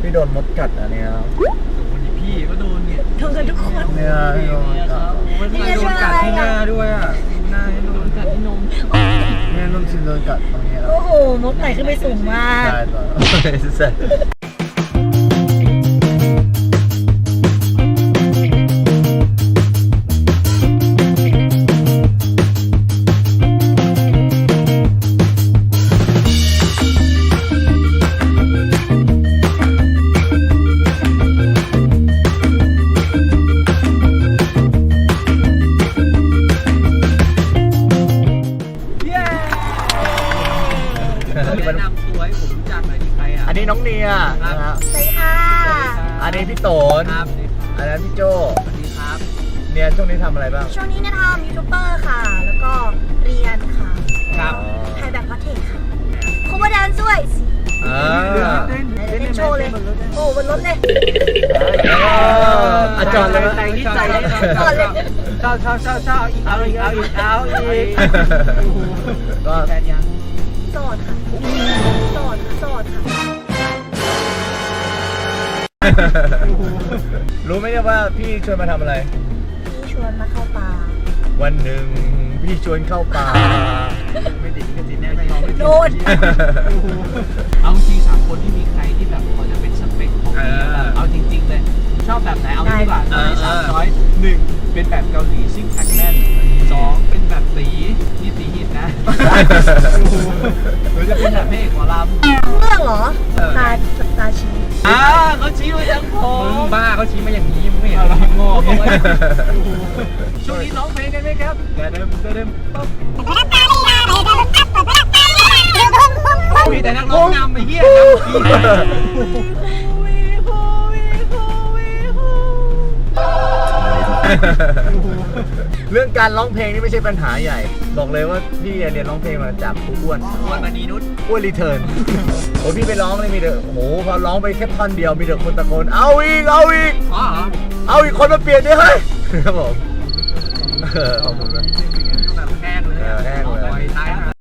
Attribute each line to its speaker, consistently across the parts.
Speaker 1: พี่โดนมดกัดอันเนี้ย
Speaker 2: พี่ก็โดนเนี่ย
Speaker 3: โดนกันทุกคน
Speaker 1: เนี่ยพี่โดนกัด
Speaker 2: นี่โดนกัดที่หน้าด้วยอ่ะหน้าโดนกัดที่นม
Speaker 1: เนี่ยนุ่นชินโดนกัดตรงนี้แล้ว
Speaker 3: โอ้โหนกไต่ขึ้นไปสูงมาก
Speaker 1: ใช่ต่อ
Speaker 2: แนะนำตัวให้ผมรู้จักหน่อยดิใครอ่ะ
Speaker 1: อันนี้น้องเนียนะครับ
Speaker 3: สวัสดีค่ะ
Speaker 1: อันนี้พี่โตน
Speaker 2: ครับ
Speaker 1: อันนั้นพี่โจ
Speaker 2: สวัสดีครับ
Speaker 1: เนียช่วงนี้ทำอะไรบ้าง
Speaker 3: ช่วงนี้เนี่ยทำยูทูบเบอร์ค่ะ แล้วก็เรียนค่ะ
Speaker 2: ครับ
Speaker 3: ถ่ายแบบคอนเทนต์ค่ะคูบาแดนด้วย
Speaker 1: อ่า
Speaker 3: เต้นโชว์เลย โอ้บนรถเลย
Speaker 1: อาจารย์เลย
Speaker 2: แต่งนิดใจเลย
Speaker 3: ก่อนเลย
Speaker 2: เช่าอีกเอาอีก
Speaker 1: ก็
Speaker 2: แฟนยัง
Speaker 3: โสดค่ะโสดค่ะ
Speaker 1: รู้ไหมเนี่ยว่าพี่ชวนมาทำอะไร
Speaker 3: พี่ชวนมาเข้าป่า
Speaker 1: วันหนึ่งพี่ชวนเข้าป่า
Speaker 2: ไม่ติดก็ติดแน่ไม่ยอมไม่ติด
Speaker 3: โดน
Speaker 2: เอาจริง3คนที่มีใครที่แบบพอจะเป็นสเปคของพี่เอาจริงๆเลยชอบแบบไหนเอาที่ดีกว่า3ช้อย1เป็นแบบเกาหลีซิ่งแพคแน่น2เป็นแบบตีนี่ตีหินนะหรือจะเป็นแบบเพลงหมอลำ
Speaker 3: เรื่องเหรอตาชี้
Speaker 2: เขาชี้มาจากผมมึงบ้าเขาชี้มาอย่างนี้มึงไม่เห็นเราโง่ช่วงนี้ร้องเพลงกันไหมครับเดิมปั๊บมีแต่นักร้องนำไอ้เหี้ย
Speaker 1: เรื่องการร้องเพลงนี่ไม่ใช่ปัญหาใหญ่ บอกเลยว่าพี่เรียนร้องเพลงมาจากครูอ้วน
Speaker 2: มานีนุช
Speaker 1: อ้วนรีเทิร์นโอ้พี่ไปร้องเลยมีเด็กโอ้โหพอร้องไปแค่ท่อนเดียวมีเด็กคนตะโกนเอาอีก
Speaker 2: อ๋อ
Speaker 1: เอาอีกคนมาเปลี่ยนดิเฮ้ยครับผมขอบคุณนะ
Speaker 2: แบบแห้งเลยตายแล้ว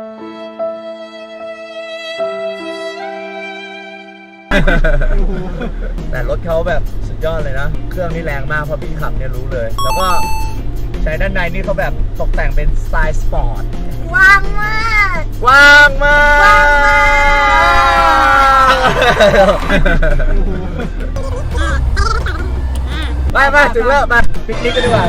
Speaker 1: แต่รถเขาแบบสุดยอดเลยนะ เครื่องนี่แรงมากพอพี่ขับเนี่ยรู้เลย แล้วก็ใช้ด้านในนี่เขาแบบตกแต่งเป็นสไตล์สปอร์ต
Speaker 3: ว่างมาก
Speaker 1: กว้างมากไปถึงแล้วมาปิกนิกกันดีกว่า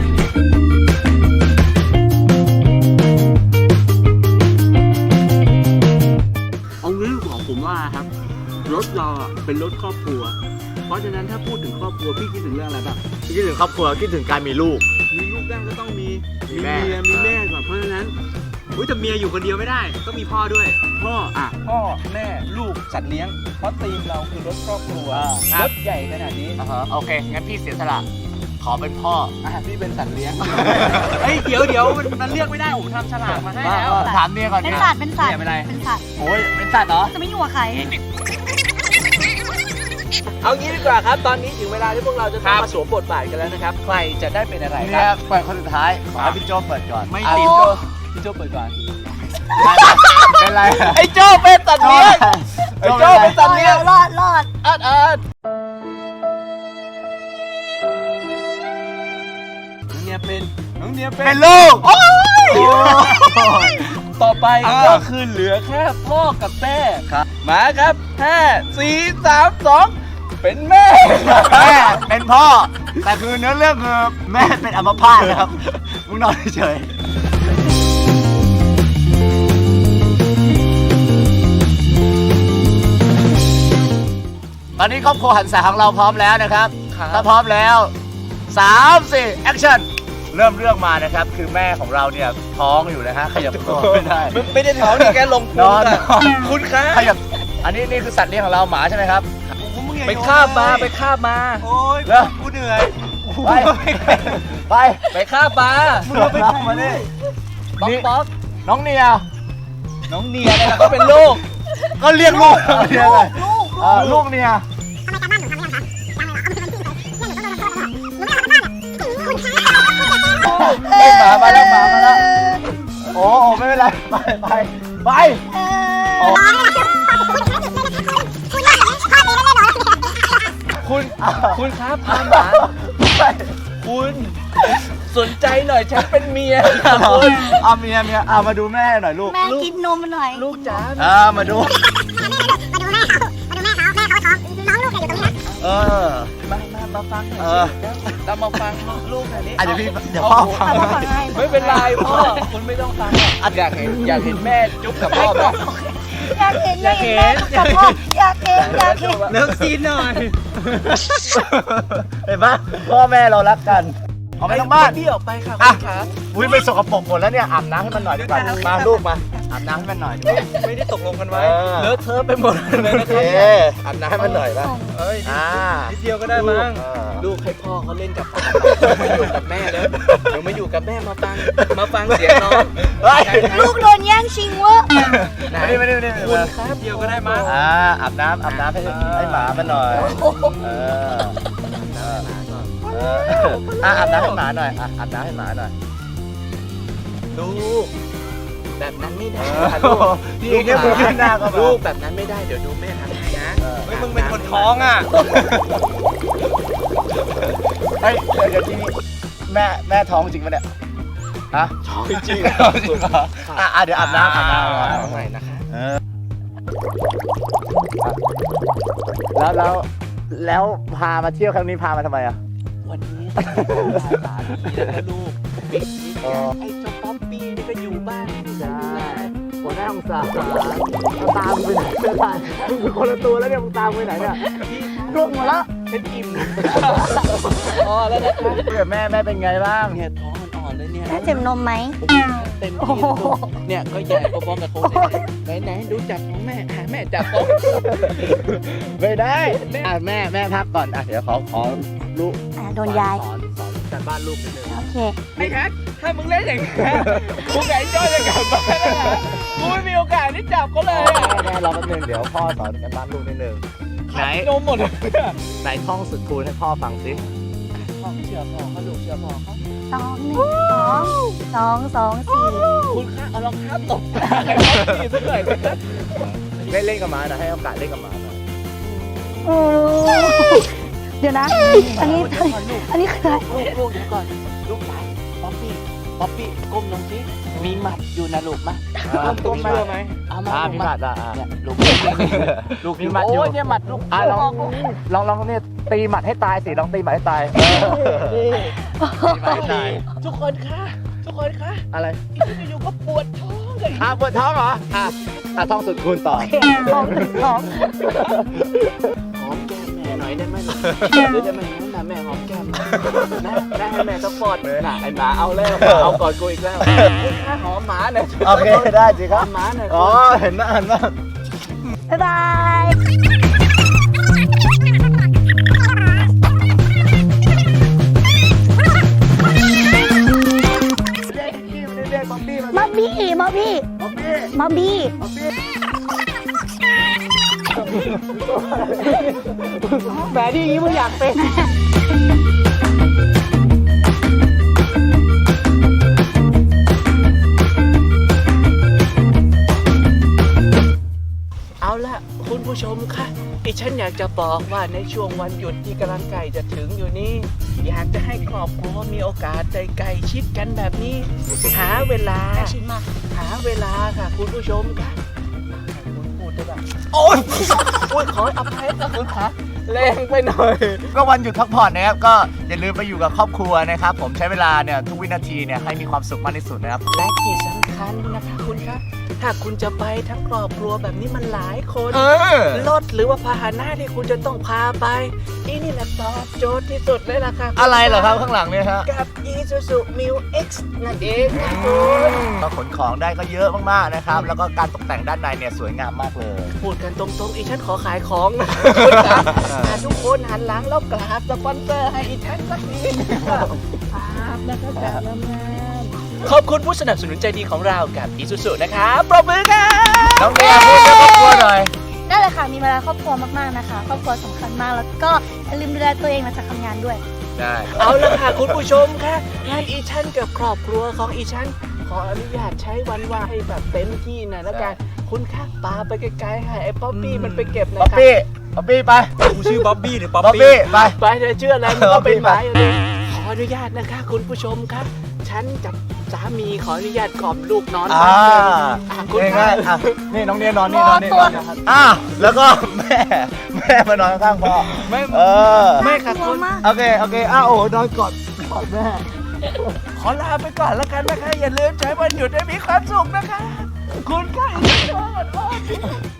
Speaker 4: เอางี้ของผมว่าครับรถเราเป็นรถครอบครัวเพราะฉะนั้นถ้าพูดถึงครอบครัวพี่คิดถึงเรื่องอะไรบ้าง
Speaker 1: คิดถึงครอบครัวคิดถึงการมีลูก
Speaker 4: มีลูกได้ก็ต้องมี
Speaker 1: มี
Speaker 4: เมี
Speaker 1: แม่
Speaker 4: ยมีแม่ก่อนเพราะฉะนั้นแต่เมียอยู่คนเดียวไม่ได้ต้องมีพ่อด้วยพ่อแม่ลูกสัตว์เลี้ยงเพราะทีมเราคือรถครอบครัวรถใหญ่ขนาดนี้
Speaker 1: โอเคงั้นพี่เสียสละขอเป็นพ่อ
Speaker 4: พี่เป็นสัตว์เลี้ยงเฮ้ยเดี๋ยวมันเลือกไม่ได้ผมทำฉลากมาให้แล้ว
Speaker 1: ถามเนี่ยก่อน
Speaker 3: เป็น
Speaker 1: เนี่ย
Speaker 3: สัตว์เป็นสัตว์
Speaker 4: เป็นอะไร
Speaker 3: เป็นสัตว์
Speaker 1: โอ้ยเป็นสัตว์เหรอ
Speaker 3: จะไม่อยู่กับใคร
Speaker 4: เอางี้ดีกว่าครับตอนนี้ถึงเวลาที่พวกเราจะต้องมาสวมบทบาทกันแล้วนะครับใครจะได้เป็นอะไรค
Speaker 1: เนี่
Speaker 4: รั
Speaker 1: ย
Speaker 4: บ
Speaker 1: เปิดคนสุดท้ายขอให้พี่โจเปิดก่อน
Speaker 4: ไม่
Speaker 1: อ่ะ
Speaker 4: ติด
Speaker 1: พี่โจ
Speaker 4: พี่โจเปิดก่อน
Speaker 1: เป็นไร
Speaker 4: ไอ้โจเป็นสัตว์เลี้ยงไอ้โจเป็นสัตว์เลี้ยง
Speaker 3: รอด
Speaker 4: อัดน้องเนียเป็น
Speaker 1: ลูก
Speaker 4: ต่อไปก็คือเหลือแค่พ่อกับแม่มาครับ5 4 3 2เป็นแม่
Speaker 1: แม่เป็นพ่อ แต่คือเนื้อเรื่องคือแม่เป็นอัมพาตนะครับมึงนอนเฉยตอนนี้ครอบครัวหันษาของเราพร้อมแล้วนะครับถ้าพร้อมแล้ว3 4แอคชั่นเริ่มเรื่องมานะครับคือแม่ของเราเนี่ยท้องอยู่นะฮะขยับตัวไม่ได้
Speaker 4: ไม่ได้ท้องนี่แกลง
Speaker 1: นอน
Speaker 4: คุณคะ
Speaker 1: ขยับอันนี้นี่คือสัตว์เลี้ยงของเราหมาใช่ไหมครับ
Speaker 4: ไปคาบมาโอ้ย
Speaker 1: เร็ว
Speaker 4: กูเหนื่อย
Speaker 1: ไปฆ่าปลา
Speaker 4: มึงเอาไปมาดิ
Speaker 1: ป๊อกน้องเนีย
Speaker 4: น้องเนียเนี่ยก็เป็นลูก
Speaker 1: ก็เรียกลูกเรียกอะไร
Speaker 3: ลูก
Speaker 1: ลูกเนียหมามาแล้วโอ้ไม่เป็นไรไป
Speaker 3: คุณ
Speaker 2: คุณครับพาหมาคุณสนใจหน่อยฉันเป็นเมีย
Speaker 1: เอาเมียเอามาดูแม่หน่อยลูก
Speaker 3: แม่กินนมหน่อย
Speaker 2: ลูกจ๋า
Speaker 1: มาดู
Speaker 2: มาฟังหน่อย
Speaker 1: เอ
Speaker 2: สิ
Speaker 1: อ
Speaker 2: เรามาฟังลูกหน่อยนี้
Speaker 1: เดี๋ยวพ่อฟัง
Speaker 3: เอามาฟังให้
Speaker 2: ไม่เป็นไรพ่อคุณไม่ต้องฟังอยากเห็นแม่จุ๊บกับพ่อไหม
Speaker 3: อยากเห็นอยากเห็นแม่กับพ่ออยากเห็น
Speaker 4: เลิกซีนหน่อย
Speaker 1: เห็นปะพ่อแม่เรารักกันเอาไปทั้งบ้าน
Speaker 2: พี่ออกไปค่ะ
Speaker 1: อ่ะ
Speaker 2: คุณขา
Speaker 1: อุ้ยไปสกปรกหมดแล้วเนี่ยอาบน้ำให้มันหน่อยดีกว่ามาลูกมาอาบน้ำให้มันหน่อย
Speaker 4: ไม่ได้ตกลงกันไว้
Speaker 2: เลอะเทอะไปหมดเลย
Speaker 1: โอ
Speaker 2: นะ
Speaker 1: เค
Speaker 2: ครับ
Speaker 1: อาบน้ำให้มันหน่อยป่ะ
Speaker 4: เอ้ย นิดเดียวก็ได้มั้ง
Speaker 2: ลูกให้พ่อเขาเล่นกับมาอยู่กับแม่แล้วเดี๋ยวมาอยู่กับแม่มาฟังเสียงน้อง
Speaker 3: ลูกโดนแย่งชิงเวะ
Speaker 1: ไม่ได้
Speaker 2: คุณครับ
Speaker 4: เดียวก็ได้มั้ง
Speaker 1: อาบน้ำให้หมามันหน่อยอาบน้ำให้หมาหน่อยอาบน้ำให้หมาหน่อย
Speaker 2: ลูกแบบนั้นไม่ได้
Speaker 1: ลูกเนี่ยมือขึ้นหน้าก็
Speaker 2: ลูกแบบนั้นไม่ได้เดี๋ยวดูแม่ทำให้นะ
Speaker 4: เฮ้ยมึงเป็นคนท้องอ่ะ
Speaker 1: เฮ้ยเดี๋ยวที่แม่ท้องจริงปะเนี่ยฮะ
Speaker 2: ท้องจริง
Speaker 1: เดี๋ยวอาบน้ำ
Speaker 2: ใหม่นะคะ
Speaker 1: แล้วพามาเที่ยวครั้งนี้พามาทำไมอ่ะ
Speaker 2: วันนี้สามีแล้วก็ลูกปิดนิดไอ้เจ้าป๊อปปี้นี่ก็อยู่บ้านที่ไหน
Speaker 1: หัวหน้าองศาตามไปไหนไม่ได้มึงเป็นคนละตัวแล้วเนี่ยมึงตามไปไหนเนี่ยร่วงหมดแล้ว
Speaker 2: เป็นอิ่มอ๋อแล้วนะคะ
Speaker 1: เพื่อนแม่เป็นไงบ้าง
Speaker 2: เนี่ยท้องอ่อนๆเลยเนี่ย
Speaker 3: แม่เจ็บนมไหม
Speaker 2: เต็มที่ลูกเนี่ยก็ใหญ่พอๆกับโค้ชไหนดูจับของแม่แม่จับโต๊ะ
Speaker 1: ไม่ได้แม่พักก่อนเดี๋ยวขอลูก
Speaker 3: โดนยาย
Speaker 1: สอนการบ้านลูกนิดนึง
Speaker 3: โอเค
Speaker 2: ไอ้แท็กถ้ามึงเล่นอย่างนี้กูกับไอ้จ้อยจะกลับบ้านแล้วนะกูไม่มีโอกาสได้จับเขาเลยอะ
Speaker 1: แม่รอแป๊บนึงเดี๋ยวพ่อสอนการบ้านลูกนิดนึงไหน
Speaker 2: นมหมดเลย
Speaker 1: ไหนท่องสุดคูณให้พ่อฟังสิ
Speaker 2: พ่อเชื่อพ่อเขาลูกเชื่อพ่อเขา
Speaker 3: 2 1 2 2 4
Speaker 2: คุณคะเอารองเท้าตบตาไอ้พ่อพี่สักหน่อยสิครับ
Speaker 1: เล่นกับหมานะให้โอกาสเล่นกับหมาหน่อย
Speaker 3: เดี๋ยวนะ อันนี้คืออะไร
Speaker 2: ลูกเดี๋ยวก่อนลูกหลานป๊อปปี้ก้มลงสิมีหมัดอยู่นะลูกมาก้มมาเลยไหมเอามา
Speaker 1: พี่หมัด
Speaker 2: เนี่ยลูก
Speaker 1: ลูกมีหมัดอยู่
Speaker 2: โอ้ยเนี่ยหมัดลูก
Speaker 1: ลองเนี่ยตีหมัดให้ตายสิลองตีหมัดให้ตายตีหมัดให้ตาย
Speaker 2: ทุกคนคะ
Speaker 1: อะไร
Speaker 2: อยู่ก็ปวดท้องเลย
Speaker 1: ปวดท้องเหรอท่องสุดคูณต่อ
Speaker 3: ท้อง
Speaker 2: หอมแก้มแม่หน่อยได้ไหมหรือจะมาอย่างนั้นนะแม่หอมแก้มนะให้แม่สักฟอดน่ะไอ้หมาเอาแล้วเอาก่อนกูอีกแล้วหอมหมาหน่อย
Speaker 1: โอเคได้สิครับ
Speaker 2: หมาหน่อย
Speaker 1: อ๋อเห็นนะ
Speaker 3: บ๊ายบาย มาบี้
Speaker 1: แหมที่นี้มึงอยากเป็น
Speaker 2: เอาละคุณผู้ชมคะดิฉันอยากจะบอกว่าในช่วงวันหยุดที่กำลังใกล้จะถึงอยู่นี้ อยากจะให้ครอบครัวมีโอกาสใจใกล้ชิดกันแบบนี้ หาเวลาค่ะคุณผู้ชมค่ะคุณพูดได้แบบโอ๊ยขออภัยนะคุณคะแรงไปหน่อย
Speaker 1: ก็วันหยุดพักผ่อนนะครับก็อย่าลืมไปอยู่กับครอบครัวนะครับผมใช้เวลาเนี่ยทุกวินาทีเนี่ยให้มีความสุขมากที่สุดนะครับ
Speaker 2: และที่สำคัญนะคะคุณคะถ้าคุณจะไปทั้งครอบครัวแบบนี้มันหลายคนรถหรือว่าพาหนะที่คุณจะต้องพาไปนี่แหละตอบโจทย์ที่สุดเลยล่ะค่ะ
Speaker 1: อะไรเหรอครับข้างหลังเนี่ยฮะ
Speaker 2: กับ Isuzu Mu X นั่นเองค่ะคุณ
Speaker 1: ก็ขนของได้ก็เยอะมากๆนะครับแล้วก็การตกแต่งด้านในเนี่ยสวยงามมากเลย
Speaker 2: พูดกันตรงๆอีฉันขอขายของนะคุณคะทุกคนหันหลังแล้วกราบสปอนเซอร์ให้อีฉันสักนิดครับนะคะจากน้ำงานขอบคุณผู้สนับสนุนใจดีของเรากับ Isuzu นะครับปรบมือค่ะ
Speaker 1: น้องเมียพูดกับครอบครัวหน่อย
Speaker 3: ได้เลยค่ะ มีเวลาครอบครัวมากๆนะคะ ครอบครัวสำคัญมาก แล้วก็อย่าลืมดูแลตัวเองหลังจากทำงานด้วย
Speaker 1: ได้
Speaker 2: เอาละค่ะคุณผู้ชมค่ะงานอีฉันกับครอบครัวของอีฉันขออนุญาตใช้วันว่างให้แบบเต็มที่หน่อยแล้วกันคุณค่ะปาไปไกลๆค่ะไอ้ป๊อปปี้มันไปเก็บหนะ
Speaker 1: ป๊อป
Speaker 2: คะ
Speaker 1: ปี้บ๊อบบี้ไป
Speaker 4: กูชื่อบ๊อบบี้หรือป๊อป
Speaker 1: บ๊อบ
Speaker 4: ปี้
Speaker 1: บี้ไป
Speaker 2: ไปเธอเชื่ออะไรมันก็เป็น
Speaker 1: ไป
Speaker 2: หมายเลยขออนุญาตนะคะคุณผู้ชมครับ ฉันกับสามีขออนุญาตกล่อมลูกนอน
Speaker 1: อ่า
Speaker 2: คุณ
Speaker 1: ง่ายๆอ่ะนี่น้องเนียนอนนี่นอนนี่นอนอ่ะแล้วก็แม่มานอนข้างๆพ่อ
Speaker 2: ไม่
Speaker 1: เออ
Speaker 2: ไม่ค่ะ
Speaker 3: กลั
Speaker 2: คุ
Speaker 3: ว
Speaker 2: ณ
Speaker 3: มาก
Speaker 1: โอเคโอเคอ้าวโอ้นอนกอดแม่
Speaker 2: ขอลาไปก่อนแล้วกันนะคะ อย่าลืมใช้วันหยุดให้มีความสุขนะคะ คุณค่ะ